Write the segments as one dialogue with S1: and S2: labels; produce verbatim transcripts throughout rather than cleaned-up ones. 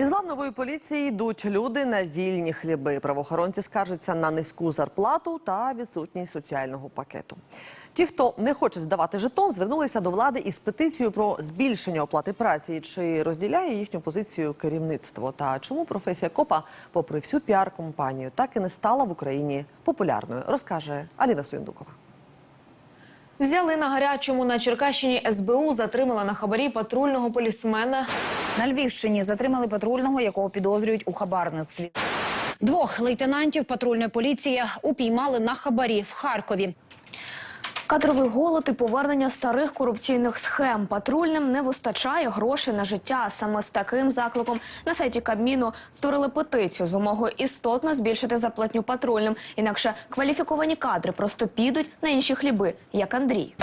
S1: Із лав нової поліції йдуть люди на вільні хліби. Правоохоронці скаржаться на низьку зарплату та відсутність соціального пакету. Ті, хто не хоче здавати жетон, звернулися до влади із петицією про збільшення оплати праці. Чи розділяє їхню позицію керівництво? Та чому професія копа, попри всю піар-компанію, так і не стала в Україні популярною, розкаже Аліна Суєндукова.
S2: Взяли на гарячому. На Черкащині ес бе у затримала на хабарі патрульного полісмена.
S3: На Львівщині затримали патрульного, якого підозрюють у хабарництві.
S4: Двох лейтенантів патрульної поліції упіймали на хабарі в Харкові.
S5: Кадровий голод і повернення старих корупційних схем. Патрульним не вистачає грошей на життя. Саме з таким закликом на сайті Кабміну створили петицію з вимогою істотно збільшити зарплатню патрульним. Інакше кваліфіковані кадри просто підуть на інші хліби, як Андрій.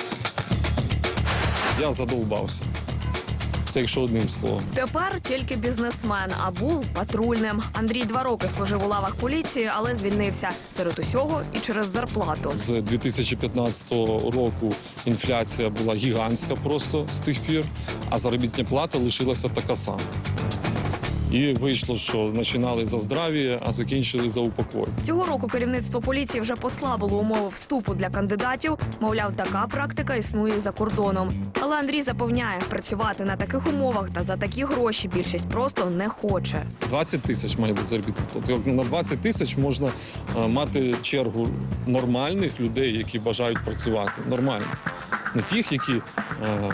S6: Я задовбався. Це якщо одним словом.
S2: Тепер тільки бізнесмен, а був патрульним. Андрій два роки служив у лавах поліції, але звільнився. Серед усього і через зарплату.
S6: З дві тисячі п'ятнадцятого року інфляція була гігантська просто з тих пір, а заробітна плата лишилася така сама. І вийшло, що починали за здрав'я, а закінчили за упокой.
S2: Цього року керівництво поліції вже послабило умови вступу для кандидатів. Мовляв, така практика існує за кордоном. Але Андрій запевняє, працювати на таких умовах та за такі гроші більшість просто не хоче.
S6: двадцять тисяч має бути заробітна плата. Тобто на двадцять тисяч можна а, мати чергу нормальних людей, які бажають працювати. Нормально. Не тих, які а,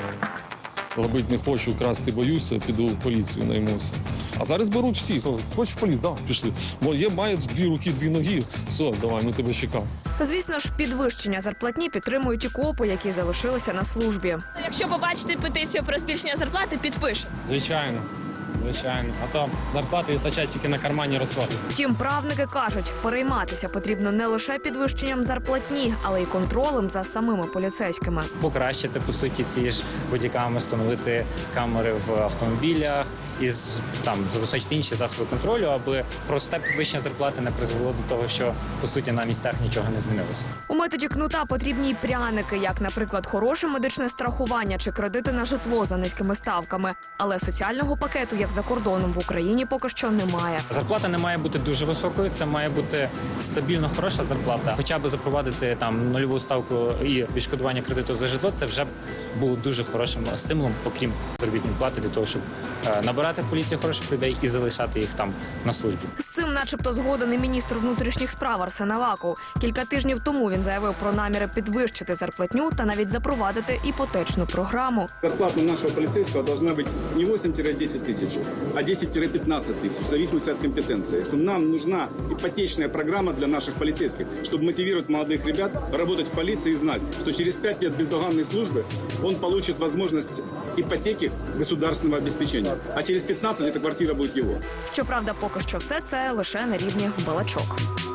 S6: робити не хочу, красти боюся, піду в поліцію наймуся. А зараз беруть всіх. Хочеш в поліцію? Да, пішли. Бо є, мають дві руки, дві ноги. Все, давай, ми тебе чекаємо.
S2: Звісно ж, підвищення зарплатні підтримують і копи, які залишилися на службі.
S7: Якщо побачите петицію про збільшення зарплати, підпишете.
S8: Звичайно, звичайно. А то зарплати вистачає тільки на карманні розходи.
S2: Втім, правники кажуть, перейматися потрібно не лише підвищенням зарплатні, але й контролем за самими поліцейськими.
S8: Покращити, по суті, ці ж бодіками, встановити камери в автомобілях і там забезпечити інші засоби контролю, аби просте підвищення зарплати не призвело до того, що, по суті, на місцях нічого не змінилося.
S2: У методі кнута потрібні й пряники, як, наприклад, хороше медичне страхування чи кредити на житло за низькими ставками. Але соціального пакету, як за кордоном, в Україні поки що немає.
S8: Зарплата не має бути дуже високою, це має бути стабільно хороша зарплата. Хоча б запровадити там нульову ставку і відшкодування кредиту за житло, це вже було дуже хорошим стимулом, окрім заробітної плати, для того, щоб е, набирати в поліцію хороших людей і залишати їх там на службі.
S2: З цим начебто згоден і міністр внутрішніх справ Арсен Аваков. Кілька тижнів тому він заявив про наміри підвищити зарплатню та навіть запровадити іпотечну програму.
S9: Зарплата нашего полицейского должна быть не восемь-десять тысяч, а десять-пятнадцать тысяч, в зависимости от компетенции. Нам нужна ипотечная программа для наших полицейских, чтобы мотивировать молодых ребят работать в полиции и знать, что через пять лет бездоганной службы он получит возможность ипотеки государственного обеспечения. А через пятнадцать эта квартира будет его.
S2: Щоправда, поки що все це лише на рівні балачок.